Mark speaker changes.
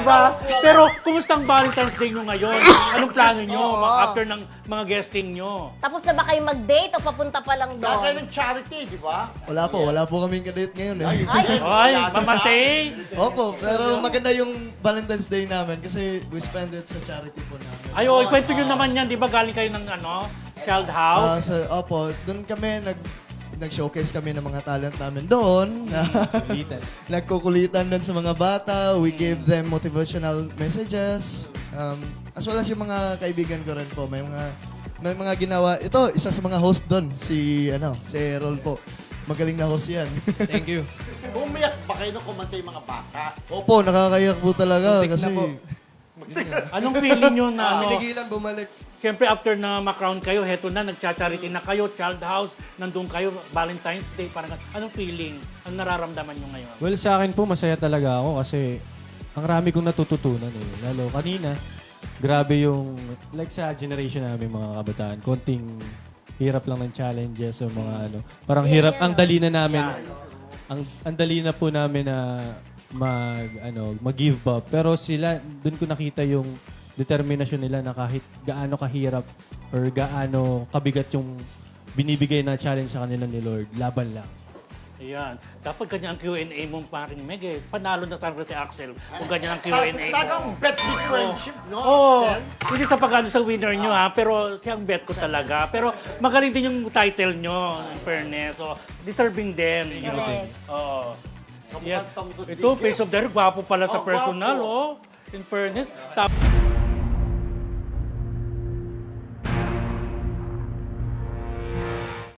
Speaker 1: ba? Pero, kumusta ang Valentine's Day nyo ngayon? Anong plano nyo after ng mga guesting nyo?
Speaker 2: Tapos na ba kayo mag-date o papunta pa lang
Speaker 3: Gagawin
Speaker 2: doon?
Speaker 3: ng charity, di ba?
Speaker 4: Wala po kaming kadate ngayon eh.
Speaker 1: Ay, mamantay!
Speaker 4: Opo, pero maganda yung Valentine's Day namin kasi we spend it sa charity po namin.
Speaker 1: Ay, kwento nyo naman yan, di ba? Galing kayo ng child house?
Speaker 4: Opo, doon kami nag-showcase kami ng mga talent namin doon. Nagkukulitan doon sa mga bata. We give them motivational messages. As well as yung mga kaibigan ko rin po. May mga ginawa. Ito, isa sa mga host doon. Si Errol po. Magaling na host yan.
Speaker 5: Thank you.
Speaker 3: Umiyak ba kayo nung kumanta yung mga bata?
Speaker 4: Opo, nakakayak po talaga.
Speaker 5: Muntik na
Speaker 4: Kasi
Speaker 5: po.
Speaker 1: Anong feeling nyo na
Speaker 4: pinigilan bumalik.
Speaker 1: Siyempre, after na ma-crown kayo, heto na, nagcha-charity na kayo, child house, nandun kayo, Valentine's Day, parang anong feeling? Anong nararamdaman nyo ngayon?
Speaker 5: Well, sa akin po, masaya talaga ako kasi ang rami kong natututunan eh. Lalo kanina, grabe yung, like sa generation namin mga kabataan, konting hirap lang ng challenges o mga parang hirap, ang dali na namin, ang dali na po namin na mag-give up. Pero sila, dun ko nakita yung determinasyon nila na kahit gaano kahirap or gaano kabigat yung binibigay na challenge sa kanila ni Lord, laban lang.
Speaker 1: Ayan. Dapat ganyan ang Q&A mo paring Meg eh. Panalo na sana si Axel kung ganyan ang Q&A mo.
Speaker 3: Talagang bet with friendship, no,
Speaker 1: Oo.
Speaker 3: Axel?
Speaker 1: Hindi sa pagano sa winner nyo ha, pero siyang bet ko talaga. Pero magaling din yung title nyo, in fairness. So, deserving din.
Speaker 2: Correct.
Speaker 1: Oo.
Speaker 3: Kamukhang
Speaker 1: Yes.
Speaker 3: Tom Rodriguez.
Speaker 1: Ito, face of the gwapo pala sa
Speaker 3: Oh,
Speaker 1: personal,
Speaker 3: gwapo.
Speaker 1: In fairness.